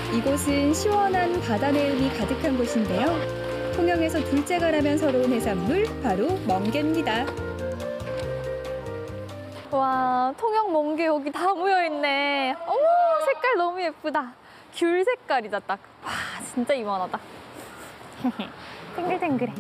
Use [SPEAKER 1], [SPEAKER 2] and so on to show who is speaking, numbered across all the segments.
[SPEAKER 1] 이곳은 시원한 바다 내음이 가득한 곳인데요. 통영에서 둘째가라면 서러운 해산물, 바로 멍게입니다.
[SPEAKER 2] 와, 통영 멍게 여기 다 모여있네. 어머, 색깔 너무 예쁘다. 귤 색깔이다, 딱. 와, 진짜 이만하다. 탱글탱글해.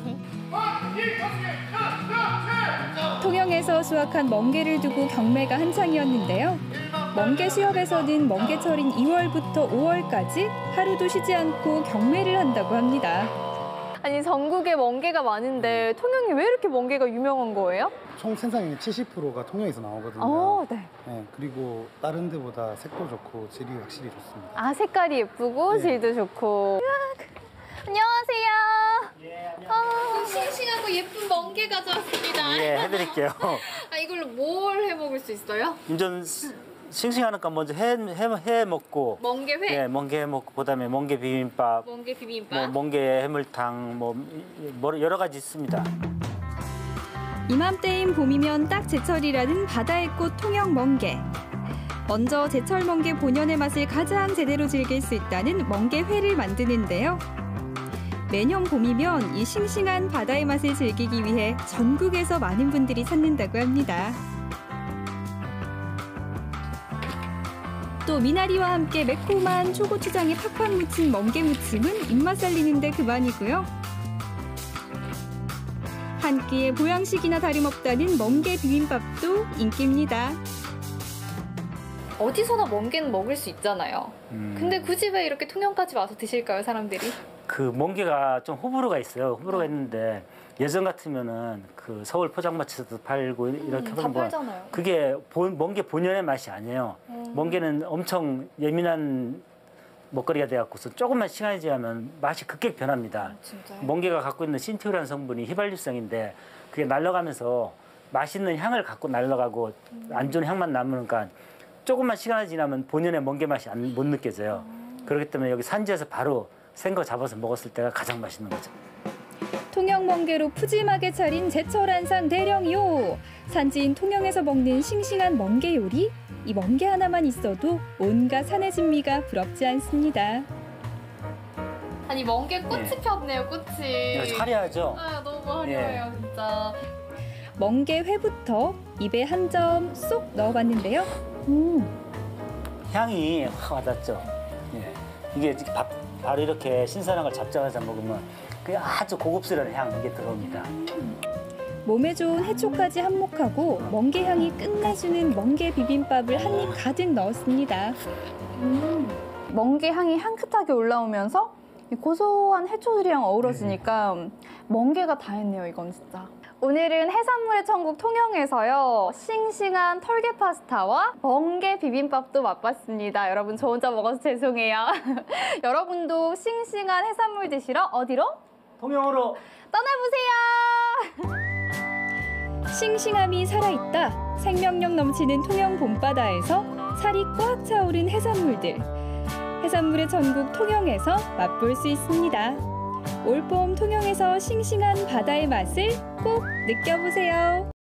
[SPEAKER 1] 통영에서 수확한 멍게를 두고 경매가 한창이었는데요. 멍게 수협에서는 멍게철인 2월부터 5월까지 하루도 쉬지 않고 경매를 한다고 합니다.
[SPEAKER 2] 아니, 전국에 멍게가 많은데 통영이 왜 이렇게 멍게가 유명한 거예요?
[SPEAKER 3] 총 생산량의 70%가 통영에서 나오거든요.
[SPEAKER 2] 네.
[SPEAKER 3] 네, 그리고 다른 데보다 색도 좋고 질이 확실히 좋습니다.
[SPEAKER 2] 아, 색깔이 예쁘고 질도 좋고. 안녕하세요.
[SPEAKER 4] 예, 안녕하세요.
[SPEAKER 2] 싱싱하고 예쁜 멍게 가져왔습니다.
[SPEAKER 4] 예, 해드릴게요.
[SPEAKER 2] 아, 이걸로 뭘 해 먹을 수 있어요?
[SPEAKER 4] 좀 싱싱하니까 먼저 해 먹고.
[SPEAKER 2] 멍게회?
[SPEAKER 4] 예, 멍게 해 먹고 그다음에 멍게 비빔밥.
[SPEAKER 2] 멍게 비빔밥?
[SPEAKER 4] 뭐 멍게 해물탕 뭐 여러 가지 있습니다.
[SPEAKER 1] 이맘때인 봄이면 딱 제철이라는 바다의 꽃 통영 멍게. 먼저 제철 멍게 본연의 맛을 가장 제대로 즐길 수 있다는 멍게회를 만드는데요. 매년 봄이면 이 싱싱한 바다의 맛을 즐기기 위해 전국에서 많은 분들이 찾는다고 합니다. 또 미나리와 함께 매콤한 초고추장에 팍팍 묻힌 멍게 무침은 입맛 살리는데 그만이고요. 한 끼의 보양식이나 다름없다는 멍게 비빔밥도 인기입니다.
[SPEAKER 2] 어디서나 멍게는 먹을 수 있잖아요. 근데 굳이 왜 이렇게 통영까지 와서 드실까요, 사람들이?
[SPEAKER 4] 그 멍게가 좀 호불호가 있어요. 호불호가 있는데 예전 같으면은 그 서울 포장마차에서도 팔고 이렇게
[SPEAKER 2] 다
[SPEAKER 4] 하면
[SPEAKER 2] 팔잖아요.
[SPEAKER 4] 그게 멍게 본연의 맛이 아니에요. 멍게는 엄청 예민한 먹거리가 돼갖고서 조금만 시간이 지나면 맛이 급격히 변합니다.
[SPEAKER 2] 진짜요?
[SPEAKER 4] 멍게가 갖고 있는 신티오라는 성분이 휘발유성인데 그게 날아가면서 맛있는 향을 갖고 날아가고 안 좋은 향만 남으니까 조금만 시간이 지나면 본연의 멍게 맛이 못 느껴져요. 그렇기 때문에 여기 산지에서 바로 생거 잡아서 먹었을 때가 가장 맛있는 거죠.
[SPEAKER 1] 통영 멍게로 푸짐하게 차린 제철 한상 대령이요. 산지인 통영에서 먹는 싱싱한 멍게 요리. 이 멍게 하나만 있어도 온갖 산의 진미가 부럽지 않습니다.
[SPEAKER 2] 아니, 멍게 꽃이 폈네요, 꽃이.
[SPEAKER 4] 화려하죠?
[SPEAKER 2] 아, 너무 화려해요, 진짜.
[SPEAKER 1] 멍게 회부터 입에 한 점 쏙 넣어봤는데요.
[SPEAKER 4] 향이 확 와닿죠. 예. 이게 바로 이렇게 신선한 걸 잡자마자 먹으면 그 아주 고급스러운 향 이게 들어옵니다.
[SPEAKER 1] 몸에 좋은 해초까지 한몫하고 멍게 향이 끝내주는 멍게 비빔밥을 한 입 가득 넣었습니다.
[SPEAKER 2] 멍게 향이 향긋하게 올라오면서 이 고소한 해초들이랑 어우러지니까 멍게가 다 했네요, 이건 진짜. 오늘은 해산물의 천국 통영에서요. 싱싱한 털개 파스타와 멍게 비빔밥도 맛봤습니다. 여러분, 저 혼자 먹어서 죄송해요. 여러분도 싱싱한 해산물 드시러 어디로?
[SPEAKER 4] 통영으로
[SPEAKER 2] 떠나보세요.
[SPEAKER 1] 싱싱함이 살아있다. 생명력 넘치는 통영 봄바다에서 살이 꽉 차오른 해산물들. 해산물의 천국 통영에서 맛볼 수 있습니다. 올봄 통영에서 싱싱한 바다의 맛을 꼭 느껴보세요.